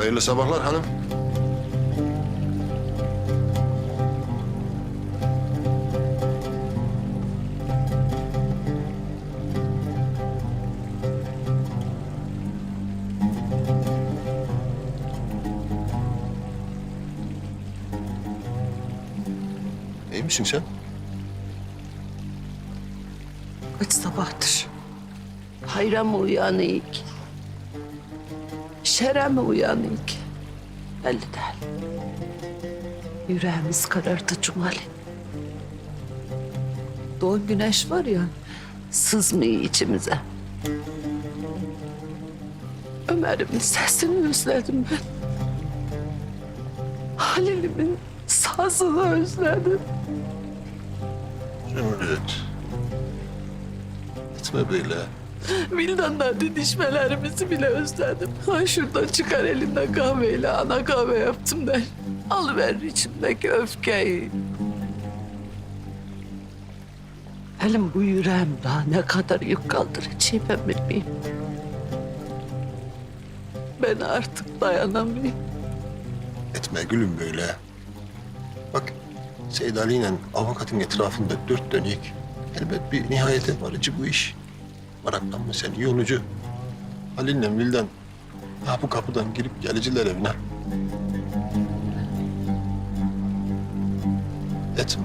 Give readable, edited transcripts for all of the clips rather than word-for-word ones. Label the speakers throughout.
Speaker 1: Hayırlı sabahlar hanım. İyi misin sen?
Speaker 2: Kaç sabahtır? Hayra mı uyanık? Şere mi uyanık? Belli değil. Yüreğimiz karardı Cumali. Doğan güneş var ya, sızmıyor içimize. Ömer'imin sesini özledim ben. Halil'imin sazını özledim.
Speaker 1: Zümrüt. Etme böyle.
Speaker 2: Vildan'la didişmelerimizi bile özledim. Ha şuradan çıkar elinden kahveyle ana kahve yaptım der. Alıver içimdeki öfkeyi. Elim bu yüreğim daha ne kadar yük kaldıracağım ben bilmeyeyim. Ben artık dayanamıyorum.
Speaker 1: Etme gülüm böyle. Bak Seyit Ali ile avukatın etrafında dört dönük. Elbet bir nihayete varıcı bu iş. Meraklanma sen yolucu. Halil'le Vildan ha bu kapıdan girip geliciler evine. Etme.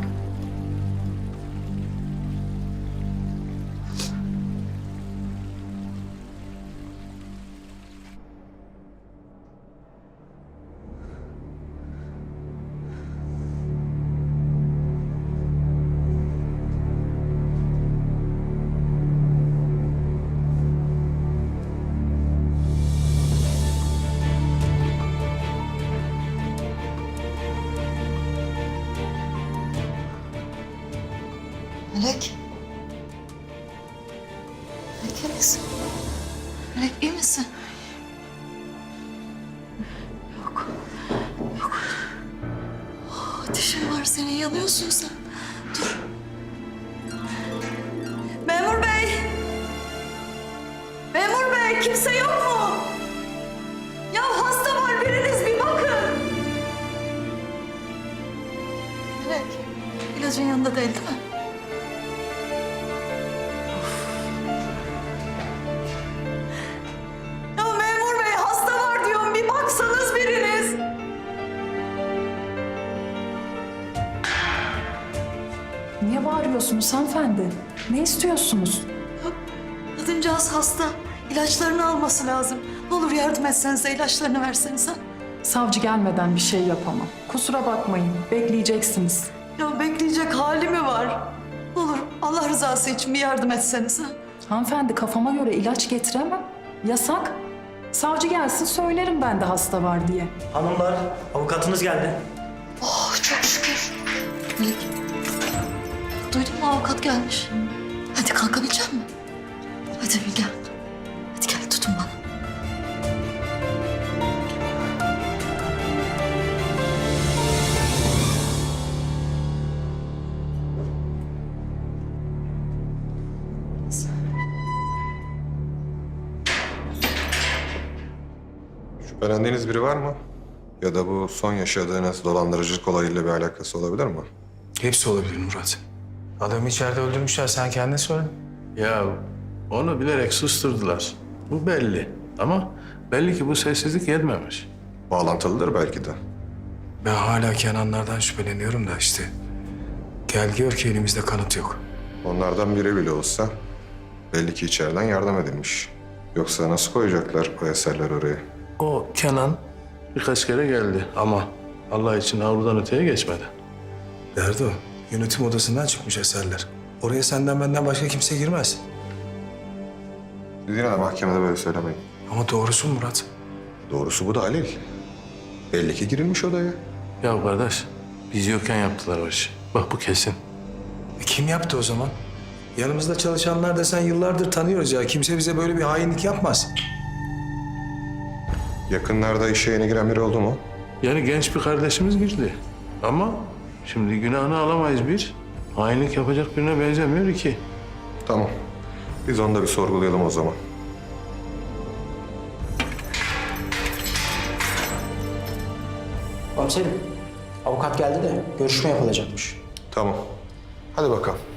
Speaker 3: Melek. Melek iyi misin? Melek iyi misin? Yok. Yok. Ateşin var senin, yanıyorsun sen. Dur. Memur bey! Memur bey, kimse yok mu? Ya hasta var, biriniz bir bakın. Melek, ilacın yanında değil mi? Ya memur bey, hasta var diyorum, bir baksanız biriniz.
Speaker 4: Niye bağırıyorsunuz hanımefendi? Ne istiyorsunuz?
Speaker 3: Kadıncağız hasta. İlaçlarını alması lazım. Ne olur yardım etsenize, ilaçlarını versenize.
Speaker 4: Savcı gelmeden bir şey yapamam. Kusura bakmayın, bekleyeceksiniz.
Speaker 3: Ya bekleyecek hali mi var? Ne olur Allah rızası için bir yardım etsenize.
Speaker 4: Hanımefendi kafama göre ilaç getiremem. Yasak. Savcı gelsin söylerim ben de hasta var diye.
Speaker 5: Hanımlar, avukatınız geldi.
Speaker 3: Oh çok şükür. Melek. Duydun mu, avukat gelmiş. Hadi kalkabilecek misin? Hadi bir gel. Hadi gel, tutun bana.
Speaker 6: Şüphelendiğiniz biri var mı? Ya da bu son yaşadığınız dolandırıcılık olayıyla bir alakası olabilir mi?
Speaker 7: Hepsi olabilir Murat. Adamı içeride öldürmüşler, sen kendin söyle.
Speaker 8: Ya onu bilerek susturdular. Bu belli. Ama belli ki bu sessizlik yetmemiş.
Speaker 6: Bağlantılıdır belki de.
Speaker 7: Ben hala Kenanlardan şüpheleniyorum da işte. Gel gör ki elimizde kanıt yok.
Speaker 6: Onlardan biri bile olsa belli ki içeriden yardım edilmiş. Yoksa nasıl koyacaklar o eserler oraya?
Speaker 8: O Kenan birkaç kere geldi ama Allah için avludan öteye geçmedi.
Speaker 7: Derdi o. Yönetim odasından çıkmış eserler. Oraya senden benden başka kimse girmez.
Speaker 6: Siz yine de mahkemede böyle söylemeyin.
Speaker 7: Ama doğrusu Murat.
Speaker 6: Doğrusu bu da Halil. Belli ki girilmiş odaya.
Speaker 8: Ya kardeş biz yokken yaptılar o işi. Bak bu kesin.
Speaker 7: Kim yaptı o zaman? Yanımızda çalışanlar desen yıllardır tanıyoruz ya. Kimse bize böyle bir hainlik yapmaz.
Speaker 6: Yakınlarda işe yeni giren biri oldu mu?
Speaker 8: Yani genç bir kardeşimiz girdi. Ama şimdi günahını alamayız bir. Hainlik yapacak birine benzemiyor iki.
Speaker 6: Tamam. Biz onu da bir sorgulayalım o zaman.
Speaker 5: Komiserim, avukat geldi de görüşme yapılacakmış.
Speaker 6: Tamam. Hadi bakalım.